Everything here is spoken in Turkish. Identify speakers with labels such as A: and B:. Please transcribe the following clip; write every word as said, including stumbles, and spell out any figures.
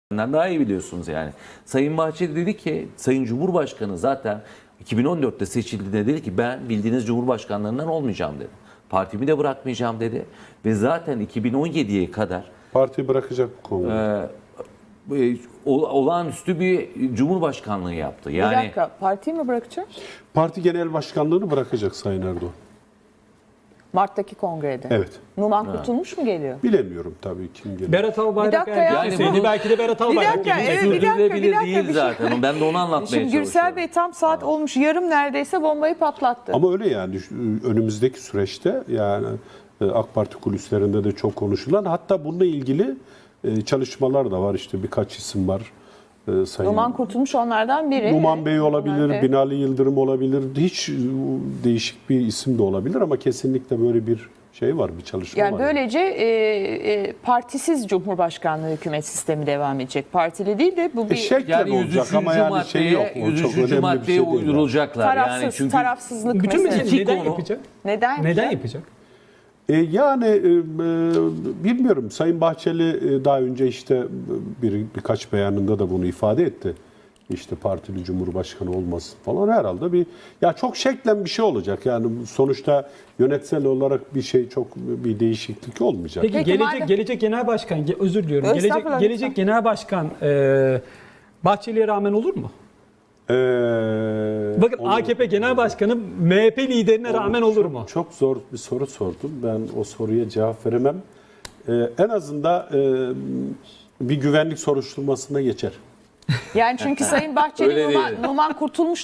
A: Daha iyi biliyorsunuz yani. Sayın Bahçeli dedi ki, Sayın Cumhurbaşkanı zaten iki bin on dörtte seçildiğinde dedi ki ben bildiğiniz Cumhurbaşkanlarından olmayacağım dedi. Partimi de bırakmayacağım dedi. Ve zaten iki bin on yediye kadar
B: Partiyi bırakacak bu konuda.
A: e, e, olağanüstü bir Cumhurbaşkanlığı yaptı. Yani,
C: Bir dakika, partiyi mi bırakacak?
B: Parti genel başkanlığını bırakacak Sayın Erdoğan.
C: Mart'taki kongrede.
B: Evet.
C: Numan Kurtulmuş mu geliyor?
B: Bilemiyorum tabii kim gelir.
D: Berat Albayrak
C: Bir dakika ya.
D: erken
A: Yani
D: seçildi.
A: bu-
D: Belki de Berat Albayrak
C: dakika,
D: gelecek.
C: evet, bir dakika, bir
A: sürdürülebilir
C: dakika,
A: değil
C: bir şey-
A: zaten. Ben de onu anlatmaya
C: Şimdi
A: çalışıyorum.
C: Gürsel Bey tam saat olmuş, yarım neredeyse bombayı patlattı.
B: Ama öyle yani düş- önümüzdeki süreçte yani e, AK Parti kulislerinde de çok konuşulan, hatta bununla ilgili e, çalışmalar da var. İşte birkaç isim var. E, Sayın
C: Numan Kurtulmuş onlardan biri.
B: Numan Bey olabilir,
C: Evet.
B: Binali Yıldırım olabilir. Hiç e, değişik bir isim de olabilir ama kesinlikle böyle bir şey var, bir çalışma
C: Yani
B: var.
C: böylece e, e, partisiz Cumhurbaşkanlığı hükümet sistemi devam edecek. Partili değil de bu
B: E,
C: bir
B: şeklen
A: Yani
B: olacak ama yani şey yok. O
A: yüz
B: çok
A: üçüncü
B: önemli bir
A: maddeye
B: şey değil. yani.
A: uydurulacaklar.
C: tarafsız,
A: yani çünkü
C: tarafsızlık
D: Bütün
C: meselesi.
D: mesele neden
A: konu-
D: yapacak?
C: Neden?
D: Neden yapacak?
B: E, yani e, e, bilmiyorum. Sayın Bahçeli e, daha önce işte bir birkaç beyanında da bunu ifade etti. İşte partili cumhurbaşkanı olmasın falan, herhalde bir ya çok şeklen bir şey olacak. Yani sonuçta yönetsel olarak bir şey, çok bir değişiklik olmayacak.
D: Peki,
C: Peki,
D: gelecek
C: madem-
D: gelecek genel başkan, ge- özür diliyorum. Gelecek
C: Estağfurullah,
D: gelecek
C: lütfen.
D: genel başkan e, Bahçeli'ye rağmen olur mu?
B: Ee,
D: Bakın
B: olur.
D: A K P Genel Başkanı M H P liderine rağmen olur mu?
B: Çok, çok zor bir soru sordum. Ben o soruya cevap veremem. Ee, en azından e, bir güvenlik soruşturmasına geçer.
C: Yani çünkü Sayın Bahçeli
A: Öyle
C: Numan,
A: değil.
C: Numan Kurtulmuş